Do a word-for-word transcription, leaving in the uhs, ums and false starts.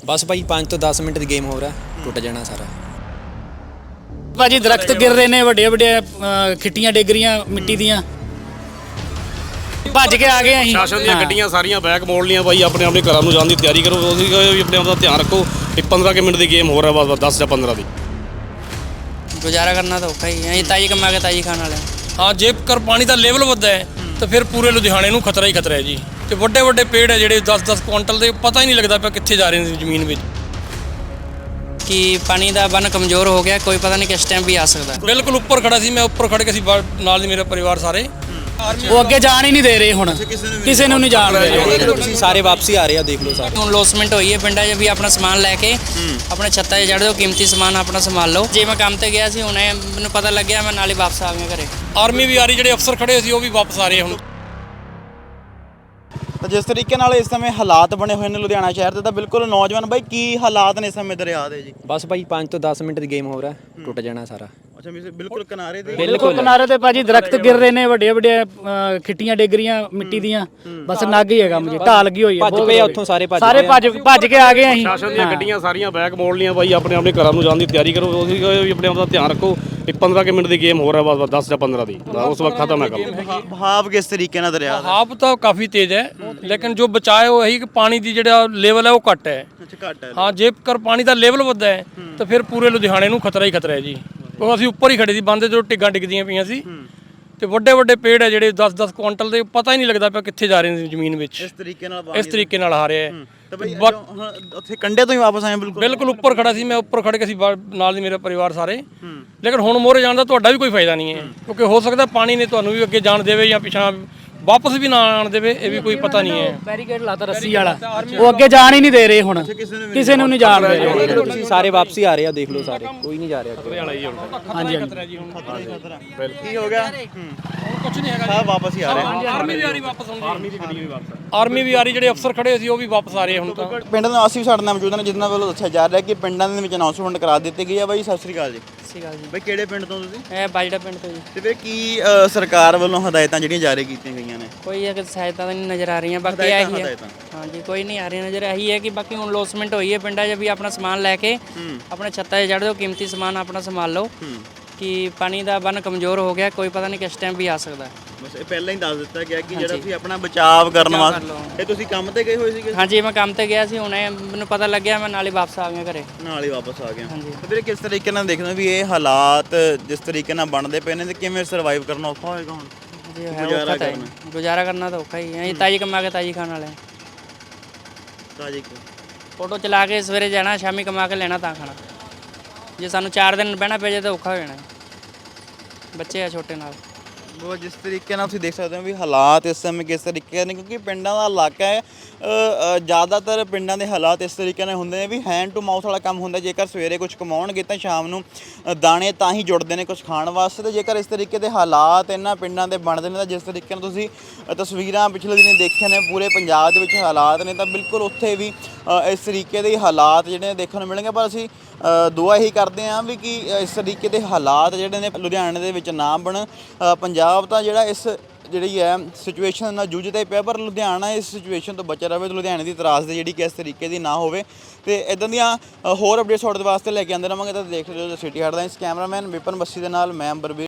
बस भाई पाँच तो दस मिनट की गेम हो रहा है, टुट जाना सारा। ਭਾਜੀ ਦਰਖਤ ਗਿਰ ਰਹੇ ਨੇ, ਵੱਡੇ ਵੱਡੇ ਖਿੱਟੀਆਂ ਡਿੱਗ ਰਹੀਆਂ ਮਿੱਟੀ ਦੀਆਂ। ਭੱਜ ਕੇ ਆ ਗਏ ਅਸੀਂ। ਸ਼ਾਸਨ ਦੀਆਂ ਗੱਡੀਆਂ ਸਾਰੀਆਂ ਬੈਕ ਮੋੜ ਲੀਆਂ ਬਾਈ, ਆਪਣੇ ਆਪਣੇ ਘਰਾਂ ਨੂੰ ਜਾਣ ਦੀ ਤਿਆਰੀ ਕਰੋ। ਤੁਸੀਂ ਵੀ ਆਪਣੇ ਆਪ ਦਾ ਧਿਆਨ ਰੱਖੋ। ਇੱਕ ਪੰਦਰਾਂ ਕੁ ਮਿੰਟ ਦੀ ਗੇਮ ਹੋ ਰਿਹਾ, ਬਸ ਦਸ ਜਾਂ ਪੰਦਰਾਂ ਦੀ। ਗੁਜ਼ਾਰਾ ਕਰਨਾ ਤਾਂ ਔਖਾ ਹੀ ਹੈ, ਅਸੀਂ ਤਾਜੀ ਕਮਾ ਕੇ ਤਾਜੀ ਖਾਣ ਵਾਲੇ ਹਾਂ। ਜੇਕਰ ਪਾਣੀ ਦਾ ਲੈਵਲ ਵੱਧਦਾ ਹੈ ਤਾਂ ਫਿਰ ਪੂਰੇ ਲੁਧਿਆਣੇ ਨੂੰ ਖਤਰਾ ਹੀ ਖਤਰਾ ਹੈ ਜੀ। ਤੇ ਵੱਡੇ ਵੱਡੇ ਪੇੜ ਹੈ ਜਿਹੜੇ ਦਸ ਦਸ ਕੁਆਂਟਲ ਦੇ, ਪਤਾ ਹੀ ਨਹੀਂ ਲੱਗਦਾ ਪਿਆ ਕਿੱਥੇ ਜਾ ਰਹੇ ਨੇ ਜ਼ਮੀਨ ਵਿੱਚ। ਕਿ ਪਾਣੀ ਦਾ ਬੰਨ ਕਮਜ਼ੋਰ ਹੋ ਗਿਆ, ਕੋਈ ਪਤਾ ਨਹੀਂ ਕਿਸ ਟਾਈਮ ਵੀ ਆ ਸਕਦਾ। ਬਿਲਕੁਲ ਉੱਪਰ ਖੜਾ ਸੀ ਮੈਂ, ਉੱਪਰ ਖੜ ਕੇ ਸੀ ਨਾਲ ਹੀ ਮੇਰਾ ਪਰਿਵਾਰ ਸਾਰੇ। ਉਹ ਅੱਗੇ ਜਾਣ ਹੀ ਨਹੀਂ ਦੇ ਰਹੇ ਹੁਣ, ਕਿਸੇ ਨੂੰ ਨਹੀਂ ਜਾਣ ਦੇ ਰਹੇ। देख लो तुसीं सारे वापसी आ रहे हैं, देख लो सारे। ਹੁਣ ਲੋਸਮੈਂਟ ਹੋਈ ਹੈ ਪਿੰਡਾਂ 'ਚ ਵੀ, ਆਪਣਾ ਸਮਾਨ ਲੈ ਕੇ ਆਪਣੇ ਛੱਤਾਂ 'ਤੇ ਚੜ੍ਹ ਦਿਓ, ਕੀਮਤੀ ਸਮਾਨ ਆਪਣਾ ਸੰਭਾਲ ਲਓ। ਜੇ ਮੈਂ ਕੰਮ ਤੇ ਗਿਆ ਸੀ, ਹੁਣੇ ਮੈਨੂੰ ਪਤਾ ਲੱਗਿਆ, ਮੈਂ ਨਾਲ ਹੀ ਵਾਪਸ ਆ ਗਿਆ ਘਰੇ। ਆਰਮੀ ਵੀ ਆ ਰਹੀ, ਜਿਹੜੇ ਅਫਸਰ ਖੜੇ ਸੀ ਉਹ ਵੀ ਵਾਪਸ ਆ ਰਹੇ ਹੁਣ। ਤਾਂ ਜਿਸ ਤਰੀਕੇ ਨਾਲ ਇਸ ਸਮੇਂ ਹਾਲਾਤ ਬਣੇ ਹੋਏ ਨੇ ਲੁਧਿਆਣਾ ਸ਼ਹਿਰ ਦੇ, ਤਾਂ ਬਿਲਕੁਲ ਨੌਜਵਾਨ ਬਾਈ ਕੀ ਹਾਲਾਤ ਨੇ ਇਸ ਸਮੇਂ ਦਰਿਆ ਦੇ ਜੀ? बस भाई पाँच तो दस मिनट की गेम हो रहा है, टुट जाना सारा। ਅੱਛਾ ਬਿਲਕੁਲ ਕਿਨਾਰੇ ਦੇ ਬਿਲਕੁਲ ਕਿਨਾਰੇ ਤੇ ਭਾਜੀ ਦਰਖਤ ਗਿਰ ਰਹੇ ਨੇ, ਵੱਡੇ ਵੱਡੇ ਖਿੱਟੀਆਂ ਡਿੱਗ ਰਹੀਆਂ ਮਿੱਟੀ ਦੀਆਂ। ਬਸ ਨੱਗ ਹੀ ਹੈਗਾ ਮੁਝੇ, ਢਾਲ ਲੱਗੀ ਹੋਈ ਹੈ। ਭੱਜ ਪਏ ਉੱਥੋਂ ਸਾਰੇ, ਭੱਜ ਸਾਰੇ ਭੱਜ ਭੱਜ ਕੇ ਆ ਗਏ ਅਸੀਂ। ਸ਼ਾਸਨ ਦੀਆਂ ਗੱਡੀਆਂ ਸਾਰੀਆਂ ਬੈਕ ਮੋੜ ਲੀਆਂ ਬਾਈ, ਆਪਣੇ ਆਪਣੇ ਘਰਾਂ ਨੂੰ ਜਾਣ ਦੀ ਤਿਆਰੀ ਕਰੋ। ਤੁਸੀਂ ਵੀ ਆਪਣੇ ਆਪ ਦਾ ਧਿਆਨ ਰੱਖੋ। ਇੱਕ ਪੰਦਰਾਂ ਕੁ ਮਿੰਟ ਦੀ ਗੇਮ ਹੋ ਰਿਹਾ, ਬਸ ਦਸ ਜਾਂ ਪੰਦਰਾਂ ਦੀ। ਉਸ ਵਕਤ ਖਤਮ ਹੈ ਕੰਮ। ਭਾਵ ਕਿਸ ਤਰੀਕੇ ਨਾਲ ਦਰਿਆ ਦਾ? ਹਾਪ ਤਾਂ ਕਾਫੀ ਤੇਜ਼ ਹੈ, ਲੇਕਿਨ ਜੋ ਬਚਾਏ ਉਹ ਇਹੀ ਕਿ ਪਾਣੀ ਦੀ ਜਿਹੜਾ ਲੈਵਲ ਹੈ ਉਹ ਘੱਟ ਹੈ। ਅੱਛਾ ਘੱਟ ਹੈ। ਹਾਂ। ਜੇਕਰ ਪਾਣੀ ਦਾ ਲੈਵਲ ਵੱਧਦਾ ਹੈ ਤਾਂ ਫਿਰ ਪੂਰੇ ਲੁਧਿਆਣੇ ਨੂੰ ਖਤਰਾ ਹੀ ਖਤਰਾ ਹੈ ਜੀ। ਉਹ ਅਸੀਂ ਉੱਪਰ ਹੀ ਖੜੇ ਸੀ, ਬੰਦ ਜਦੋਂ ਟਿੱਗਾਂ ਡਿੱਗਦੀਆਂ ਪਈਆਂ ਸੀ। ਤੇ ਵੱਡੇ ਵੱਡੇ ਪੇੜ ਹੈ ਜਿਹੜੇ ਦਸ ਦਸ ਕੁਆਂਟਲ ਦੇ, ਪਤਾ ਹੀ ਨਹੀਂ ਲੱਗਦਾ ਪਿਆ ਕਿੱਥੇ ਜਾ ਰਹੇ ਨੇ ਜ਼ਮੀਨ ਵਿੱਚ। ਇਸ ਤਰੀਕੇ ਨਾਲ ਇਸ ਤਰੀਕੇ ਨਾਲ ਆ ਰਿਹਾ ਹੈ। ਤਾਂ ਬਈ ਹੁਣ ਉੱਥੇ ਕੰਡੇ ਤੋਂ ਹੀ ਵਾਪਸ ਆਏ ਬਿਲਕੁਲ? ਬਿਲਕੁਲ ਉੱਪਰ ਖੜਾ ਸੀ ਮੈਂ, ਉੱਪਰ ਖੜ ਕੇ ਸੀ ਨਾਲ ਹੀ ਮੇਰਾ ਪਰਿਵਾਰ ਸਾਰੇ। ਲੇਕਿਨ ਹੁਣ ਮੋਰੇ ਜਾਣ ਦਾ ਤੁਹਾਡਾ ਵੀ ਕੋਈ ਫਾਇਦਾ ਨਹੀਂ ਹੈ, ਕਿਉਂਕਿ ਹੋ ਸਕਦਾ ਪਾਣੀ ਨੇ ਤੁਹਾਨੂੰ ਵੀ ਅੱਗੇ ਜਾਣ ਦੇਵੇ ਜਾਂ ਪਿਛਾਂ ਵਾਪਸ ਵੀ ਨਾ ਆਣ ਦੇਵੇ, ਇਹ ਵੀ ਕੋਈ ਪਤਾ ਨਹੀਂ ਹੈ। ਬੈਰੀਕੇਡ ਲਾਤਾ ਰੱਸੀ ਵਾਲਾ, ਉਹ ਅੱਗੇ ਜਾਣ ਹੀ ਨਹੀਂ ਦੇ ਰਹੇ ਹੁਣ, ਕਿਸੇ ਨੂੰ ਨਹੀਂ ਜਾਣ ਦੇ ਰਹੇ। देख लो तुसीं सारे वापसी आ रहे हैं, देख लो सारे, कोई नहीं जा रहा अगे। ਹਾਂਜੀ ਹਾਂਜੀ। ਕੀ ਹੋ ਗਿਆ? ਕੁਝ ਨਹੀਂ ਹੈਗਾ, ਸਭ ਵਾਪਸ ਹੀ ਆ ਰਹੇ ਹਨ। ਆਰਮੀ ਵੀ ਆ ਰਹੀ ਵਾਪਸ ਹੁਣ। ਆਰਮੀ ਦੀ ਗੱਡੀ ਵੀ ਵਾਪਸ ਆਰਮੀ ਵੀ ਆ ਰਹੀ, ਜਿਹੜੇ ਅਫਸਰ ਖੜੇ ਸੀ ਉਹ ਵੀ ਵਾਪਸ ਆ ਰਹੇ ਹੁਣ ਤਾਂ। ਪਿੰਡ ਦੇ ਨਿਵਾਸੀ ਵੀ ਸਾਡੇ ਨਾਲ ਮੌਜੂਦ ਨੇ, ਜਿਨ੍ਹਾਂ ਵੱਲੋਂ ਦੱਸਿਆ ਜਾ ਰਿਹਾ ਕਿ ਪਿੰਡਾਂ ਦੇ ਵਿੱਚ ਅਨਾਉਂਸਮੈਂਟ ਕਰਾ ਦਿੱਤੀ ਗਈ ਹੈ। ਬਾਈ ਸਤਿ ਸ੍ਰੀ ਅਕਾਲ ਜੀ। ਸਤਿ ਸ਼੍ਰੀ ਅਕਾਲ ਜੀ। ਬਾਈ ਕਿਹੜੇ ਪਿੰਡ ਤੋਂ ਤੁਸੀਂ? ਇਹ ਬਾਜੜਾ ਪਿੰਡ ਤੋਂ ਜੀ। ਤੇ ਫਿਰ ਕੀ ਅ, ਸਰਕਾਰ ਵੱਲੋਂ ਹਦਾਇਤਾਂ ਜਿਹੜੀਆਂ ਜਾਰੀ ਕੀਤੀਆਂ ਗਈਆਂ ਨੇ? ਕੋਈ ਅਗਰ ਸਹਾਇਤਾ ਤਾਂ ਨਹੀਂ ਨਜ਼ਰ ਆ ਰਹੀਆਂ, ਬਾਕੀ ਹਦਾਇਤਾਂ ਇਹੀ ਹੈ। ਹਦਾਇਤਾਂ ਹਾਂਜੀ, ਕੋਈ ਨਹੀਂ ਆ ਰਹੀ ਨਜ਼ਰ। ਇਹੀ ਹੈ ਕਿ ਬਾਕੀ ਹੁਣ ਲੋਸਮੈਂਟ ਹੋਈ ਹੈ ਪਿੰਡਾਂ 'ਚ ਵੀ, ਆਪਣਾ ਸਮਾਨ ਲੈ ਕੇ ਆਪਣੇ ਛੱਤਾਂ 'ਤੇ ਚੜ੍ਹ ਦਿਓ, ਕੀਮਤੀ ਸਮਾਨ ਆਪਣਾ ਸੰਭਾਲ ਲਓ। ਕਿ ਪਾਣੀ ਦਾ ਬੰਨ ਕਮਜ਼ੋਰ ਹੋ ਗਿਆ, ਕੋਈ ਪਤਾ ਨਹੀਂ ਕਿਸ ਟਾਈਮ ਵੀ ਆ ਸਕਦਾ। ਬਸ ਇਹ ਪਹਿਲਾਂ ਹੀ ਦੱਸ ਦਿੱਤਾ ਗਿਆ ਕਿ ਜਿਹੜਾ ਤੁਸੀਂ ਆਪਣਾ ਬਚਾਅ ਕਰਨ ਵਾਸਤੇ, ਇਹ ਤੁਸੀਂ ਕੰਮ ਤੇ ਗਏ ਹੋਏ ਸੀਗੇ? ਹਾਂਜੀ, ਮੈਂ ਕੰਮ ਤੇ ਗਿਆ ਸੀ, ਹੁਣੇ ਮੈਨੂੰ ਪਤਾ ਲੱਗਿਆ, ਮੈਂ ਨਾਲ ਹੀ ਵਾਪਸ ਆ ਗਿਆ ਘਰੇ। ਨਾਲ ਹੀ ਵਾਪਸ ਆ ਗਿਆ। ਹਾਂਜੀ। ਤੇ ਵੀਰੇ ਕਿਸ ਤਰੀਕੇ ਨਾਲ ਦੇਖਦੇ ਹੋ ਵੀ ਇਹ ਹਾਲਾਤ ਜਿਸ ਤਰੀਕੇ ਨਾਲ ਬਣਦੇ ਪਏ ਨੇ, ਤੇ ਕਿਵੇਂ ਸਰਵਾਈਵ ਕਰਨਾ ਔਖਾ ਹੋਏਗਾ ਹੁਣ? ਜੀ ਹੈ, ਔਖਾ ਤਾਂ ਹੈ। ਗੁਜ਼ਾਰਾ ਕਰਨਾ ਤਾਂ ਔਖਾ ਹੀ ਹੈ, ਅਸੀਂ ਤਾਜੀ ਕਮਾ ਕੇ ਤਾਜੀ ਖਾਣ ਵਾਲੇ। ਤਾਜੀ ਫੋਟੋ ਚਲਾ ਕੇ ਸਵੇਰੇ ਜਾਣਾ, ਸ਼ਾਮੀ ਕਮਾ ਕੇ ਲੈਣਾ ਤਾਂ ਖਾਣਾ। ਜੇ ਸਾਨੂੰ ਚਾਰ ਦਿਨ ਬਹਿਣਾ ਪੈ ਜਾਏ ਤਾਂ ਔਖਾ ਹੋ ਜਾਣਾ, ਬੱਚੇ ਆ ਛੋਟੇ ਨਾਲ। ਉਹ ਜਿਸ ਤਰੀਕੇ ਨਾਲ ਤੁਸੀਂ ਦੇਖ ਸਕਦੇ ਹੋ ਵੀ ਹਾਲਾਤ ਇਸ ਸਮੇਂ ਕਿਸ ਤਰੀਕੇ ਨੇ, ਕਿਉਂਕਿ ਪਿੰਡਾਂ ਦਾ ਇਲਾਕਾ ਹੈ। ਅ, ਜ਼ਿਆਦਾਤਰ ਪਿੰਡਾਂ ਦੇ ਹਾਲਾਤ ਇਸ ਤਰੀਕੇ ਨਾਲ ਹੁੰਦੇ ਨੇ ਵੀ ਹੈਂਡ ਟੂ ਮਾਊਥ ਵਾਲਾ ਕੰਮ ਹੁੰਦਾ। ਜੇਕਰ ਸਵੇਰੇ ਕੁਝ ਕਮਾਉਣਗੇ ਤਾਂ ਸ਼ਾਮ ਨੂੰ ਅ, ਦਾਣੇ ਤਾਂ ਹੀ ਜੁੜਦੇ ਨੇ ਕੁਝ ਖਾਣ ਵਾਸਤੇ। ਤੇ ਜੇਕਰ ਇਸ ਤਰੀਕੇ ਦੇ ਹਾਲਾਤ ਇਹਨਾਂ ਪਿੰਡਾਂ ਦੇ ਬਣਦੇ ਨੇ, ਤਾਂ ਜਿਸ ਤਰੀਕੇ ਨਾਲ ਤੁਸੀਂ ਅ, ਤਸਵੀਰਾਂ ਪਿਛਲੇ ਦਿਨੀ ਦੇਖੀਆਂ ਨੇ, ਪੂਰੇ ਪੰਜਾਬ ਦੇ ਵਿੱਚ ਹਾਲਾਤ ਨੇ, ਤਾਂ ਬਿਲਕੁਲ ਉੱਥੇ ਵੀ ਅ, ਇਸ ਤਰੀਕੇ ਦੇ ਹਾਲਾਤ ਜਿਹੜੇ ਨੇ ਦੇਖਣ ਨੂੰ ਮਿਲਣਗੇ। ਪਰ ਅਸੀਂ ਅ, ਦੁਆ ਇਹੀ ਕਰਦੇ ਹਾਂ ਵੀ ਕਿ ਇਸ ਤਰੀਕੇ ਦੇ ਹਾਲਾਤ ਜਿਹੜੇ ਨੇ ਲੁਧਿਆਣੇ ਦੇ ਵਿੱਚ ਨਾ ਬਣਨ। ਅ, ਪੰਜਾਬ ਤਾਂ ਜਿਹੜਾ ਇਸ ਜਿਹੜੀ ਹੈ ਸਿਚੁਏਸ਼ਨ ਨਾਲ ਜੂਝਦਾ ਹੀ ਪਿਆ, ਪਰ ਲੁਧਿਆਣਾ ਇਸ ਸਿਚੁਏਸ਼ਨ ਤੋਂ ਬਚਿਆ ਰਹੇ। ਲੁਧਿਆਣੇ ਦੀ ਤਰਾਸਦੀ ਜਿਹੜੀ ਕਿ ਇਸ ਤਰੀਕੇ ਦੀ ਨਾ ਹੋਵੇ। ਤੇ ਇਦਾਂ ਦੀਆਂ ਹੋਰ ਅਪਡੇਟਸ ਤੁਹਾਡੇ ਵਾਸਤੇ ਲੈ ਕੇ ਆਉਂਦੇ ਰਹਾਂਗੇ। ਤਾਂ ਦੇਖ ਰਹੇ ਹੋ city headlines. Cameraman Vipan Bassi ਦੇ ਨਾਲ ਮੈਂ ਅੰਬਰਵੀਰ।